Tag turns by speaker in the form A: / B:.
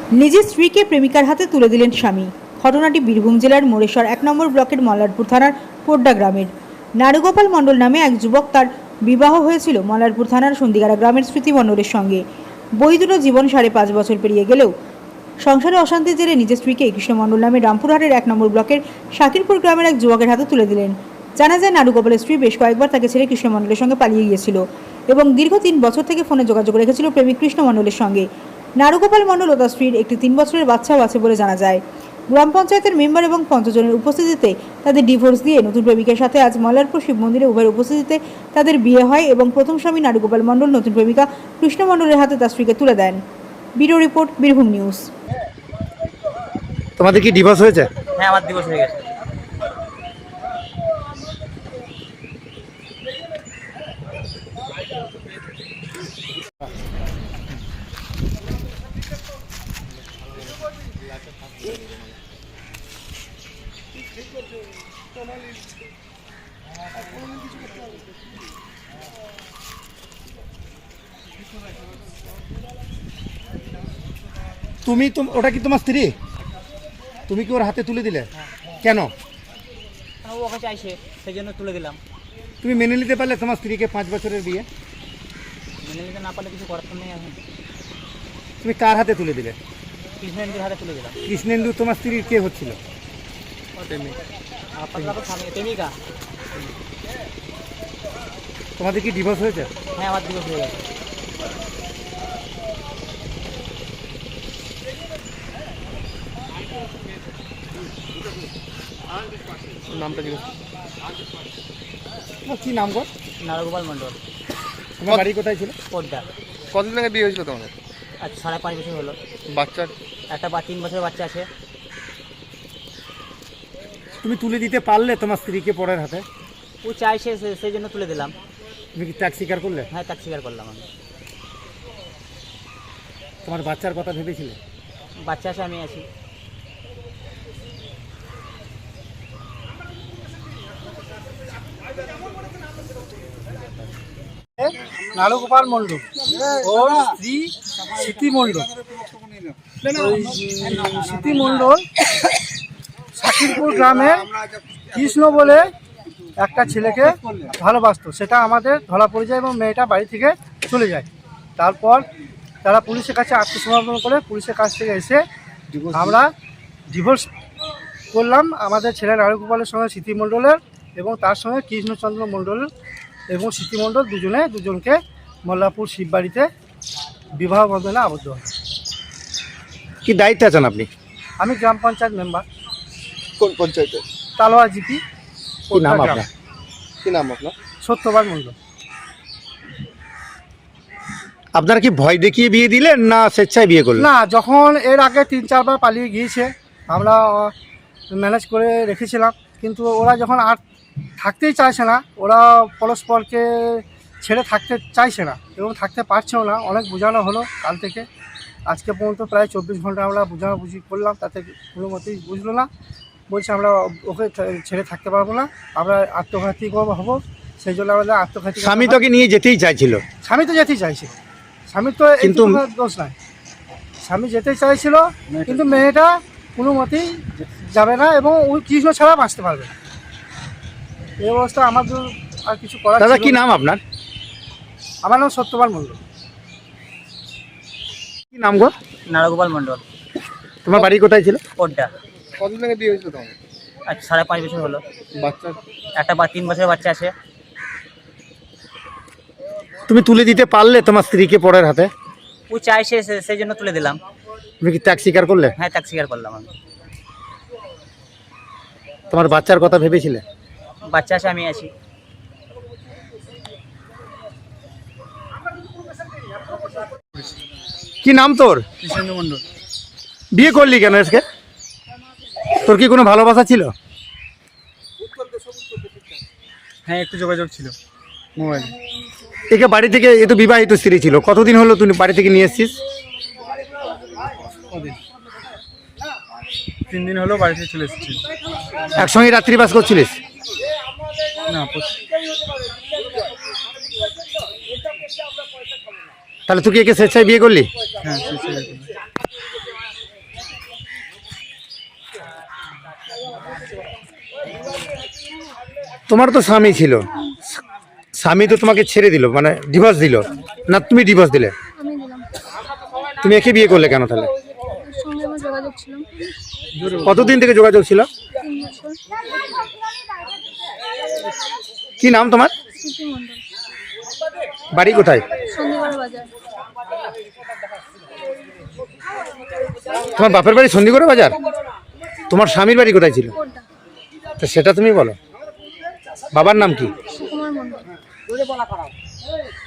A: নিজের স্ত্রীকে প্রেমিকার হাতে তুলে দিলেন স্বামী। ঘটনাটি বীরভূম জেলার মোরেশ্বর 1 নম্বর ব্লকের মল্লারপুর থানার পোড্ডা গ্রামের। নারুগোপাল মণ্ডল নামে এক যুবক, তার বিবাহ হয়েছিল মল্লারপুর থানার সন্দিগাড়া গ্রামের স্মৃতি মণ্ডলের সঙ্গে। বৈধ জীবন 5.5 বছর পেরিয়ে গেলেও সংসারে অশান্তির জেরে নিজের স্ত্রীকে কৃষ্ণ মণ্ডল নামে রামপুরহাটের 1 নম্বর ব্লকের শাকিরপুর গ্রামের এক যুবকের হাতে তুলে দিলেন। জানা যায়, নারুগোপালের স্ত্রী বেশ কয়েকবার তাকে ছেড়ে কৃষ্ণ মণ্ডলের সঙ্গে পালিয়ে গিয়েছিল এবং দীর্ঘ 3 বছর থেকে ফোনে যোগাযোগ রেখেছিল প্রেমিক কৃষ্ণ মণ্ডলের সঙ্গে। নারুগোপাল মণ্ডল ও তার স্ত্রীর একটি 3 বছরের বাচ্চাও আছে বলে জানা যায়। গ্রাম পঞ্চায়েতের মেম্বার এবং 5 জনের উপস্থিতিতে তাদের ডিভোর্স দিয়ে নতুন প্রেমিকের সাথে আজ মল্লারপুর শিব মন্দিরে উভয়ের উপস্থিতিতে তাদের বিয়ে হয় এবং প্রথম স্বামী নারুগোপাল মণ্ডল নতুন প্রেমিকা কৃষ্ণ মণ্ডলের হাতে তার স্ত্রীকে তুলে দেন। Bureau report, Birbhum news.
B: তোমাদের কি ডিভোর্স হয়েছে?
C: হ্যাঁ, আমার দিবস হয়ে গেছে।
B: তুমি ওটা কি তোমার স্ত্রী? তুমি কি ওর হাতে তুলে দিলে? কেন?
C: ও ওকে চাইছে, সেই জন্য তুলে দিলাম।
B: তুমি মেনে নিতে পারলে তোমার স্ত্রীকে 5 বছরের বিয়ে?
C: মেনে নিতে না পারলে কিছু করার তো নেই। এখন
B: তুমি কার হাতে তুলে দিলে?
C: কৃষ্ণেন্দ্রের হাতে তুলে দিলাম।
B: কৃষ্ণেন্দু তোমার স্ত্রীর কে হচ্ছিল?
C: আপনার স্বামী প্রেমিকা।
B: তোমাদের কি ডিভোর্স হয়েছে?
C: হ্যাঁ, আমার দিবস হয়ে গেছে।
B: নামটা জিজ্ঞেস কি নাম গো?
C: নারুগোপাল মণ্ডল।
B: তোমার বাড়ি কোথায় ছিল?
C: পোড্ডা।
D: কতদিন আগে বিয়ে হয়েছিল তোমাদের?
C: আজ 5.5 বছর হলো।
D: বাচ্চার?
C: একটা 3 বছরের বাচ্চা আছে।
B: তুমি তুলে দিতে পারলে তোমার স্ত্রীকে পরের হাতে?
C: ও চাইছে, সেই জন্য তুলে দিলাম।
B: তুমি কি ত্যাগ স্বীকার করলে?
C: হ্যাঁ, তাকে স্বীকার করলাম আমি।
B: তোমার বাচ্চার কথা ভেবেছিলে?
C: বাচ্চা আছে, আমি আছি।
E: নারুগোপাল মণ্ডল ও স্ত্রী স্মৃতি মণ্ডল। ওই স্মৃতি মণ্ডল শাকিরপুর গ্রামের কৃষ্ণ বলে একটা ছেলেকে ভালোবাসতো, সেটা আমাদের ধরা পড়ে যায় এবং মেয়েটা বাড়ি থেকে চলে যায়। তারপর তারা পুলিশের কাছে আত্মসমর্পণ করে পুলিশের কাছ থেকে এসে আমরা ডিভোর্স করলাম। আমাদের ছেলে নারুগোপালের সঙ্গে স্মৃতি মণ্ডলের এবং তার সঙ্গে কৃষ্ণচন্দ্র মণ্ডলের এবং স্মৃতিমণ্ডল দুজনকে মল্লারপুর শিববাড়িতে বিবাহ বন্ধনে আবদ্ধ হয়।
B: কি দায়িত্বে আছেন আপনি?
E: আমি গ্রাম পঞ্চায়েত মেম্বার।
D: কোন পঞ্চায়েতে?
E: তালোয়া জিপি।
B: কি নাম আপনার?
D: কি নাম আপনার?
E: সত্যবান মণ্ডল।
B: আপনারা কি ভয় দেখিয়ে বিয়ে দিলেন না স্বেচ্ছায় বিয়ে করলেন?
E: না, যখন এর আগে 3-4 বার পালিয়ে গিয়েছে, আমরা ম্যানেজ করে রেখেছিলাম, কিন্তু ওরা যখন আর থাকতেই চাইছে না, ওরা পরস্পরকে ছেড়ে থাকতে চাইছে না এবং থাকতে পারছেও না। অনেক বোঝানো হলো কাল থেকে আজকে পর্যন্ত, প্রায় 24 ঘন্টা আমরা বোঝাবুঝি করলাম, তাতে কোনো মতেই বুঝলো না। বলছে আমরা ওকে ছেড়ে থাকতে পারবো না, আমরা আত্মঘাতী হবো, সেই জন্য আমাদের আত্মঘাতী।
B: স্বামী তোকে নিয়ে যেতেই চাইছিল?
E: স্বামী তো যেতেই চাইছে, স্বামী তো
B: কিন্তু
E: দোষ নাই, স্বামী যেতেই চাইছিল, কিন্তু মেয়েটা কোনো মতেই যাবে না এবং ওই কৃষ্ণ ছাড়া বাঁচতে পারবে না। এই অবস্থা আমাদের আর কিছু করার
B: দাদা,
E: ছিল
B: কি
E: না।
B: নাম আপনার?
E: আমার নাম সত্যবান মণ্ডল।
B: কি নাম গো?
C: নারুগোপাল মণ্ডল।
B: তোমার বাড়ি কোথায় ছিল?
C: পোড্ডা।
D: কতদিন আগে বিয়ে হয়েছিল তোমাদের?
C: আজ 5.5 বছর হলো।
D: বাচ্চার?
C: একটা 3 বছরের বাচ্চা আছে।
B: তুমি তুলে দিতে পারলে তোমার স্ত্রীকে পরের হাতে?
C: ও চাইছে, সেই জন্য তুলে দিলাম।
B: তুমি কি ত্যাগ স্বীকার করলে?
C: হ্যাঁ, তাকে স্বীকার করলাম আমি।
B: তোমার বাচ্চার কথা ভেবেছিলে?
C: বাচ্চা আছে, আমি আছি।
B: কি নাম তোর?
E: কৃষ্ণেন্দু মণ্ডল।
B: বিয়ে করলি কেন আজকে? তোর কি কোনো ভালোবাসা ছিল?
E: হ্যাঁ, একটু যোগাযোগ ছিল মোবাইলে।
B: একে বাড়ি থেকে, এ তো বিবাহিত স্ত্রী ছিল, কতদিন হলো তুই বাড়ি থেকে নিয়ে এসছিস?
E: 3 দিন হলো বাড়ি থেকে চলে এসেছি।
B: একসঙ্গে রাত্রিবাস করছিলিস?
E: না,
B: তাহলে তুই কি একে স্বেচ্ছায় বিয়ে করলি?
E: হ্যাঁ।
B: তোমার তো স্বামী ছিল, স্বামী তো তোমাকে ছেড়ে দিল, মানে ডিভোর্স দিল না, তুমি ডিভোর্স দিলে?
F: আমি দিলাম।
B: তুমি একে বিয়ে করলে কেন তাহলে?
F: ওর সঙ্গে আমার যোগাযোগ ছিল
B: কতদিন থেকে যোগাযোগ ছিল?
F: 3 বছর।
B: কি নাম তোমার?
F: স্মৃতি মণ্ডল,
B: বাড়ি কোথায়?
F: সন্ধিগড় বাজার।
B: তোমার বাপের বাড়ি সন্ধিগড় বাজার? তোমার স্বামীর বাড়ি কোথায় ছিল?
F: কোড্ডা,
B: তো সেটা তুমি বলো। বাবার নাম কি?
F: সুকুমার মণ্ডল।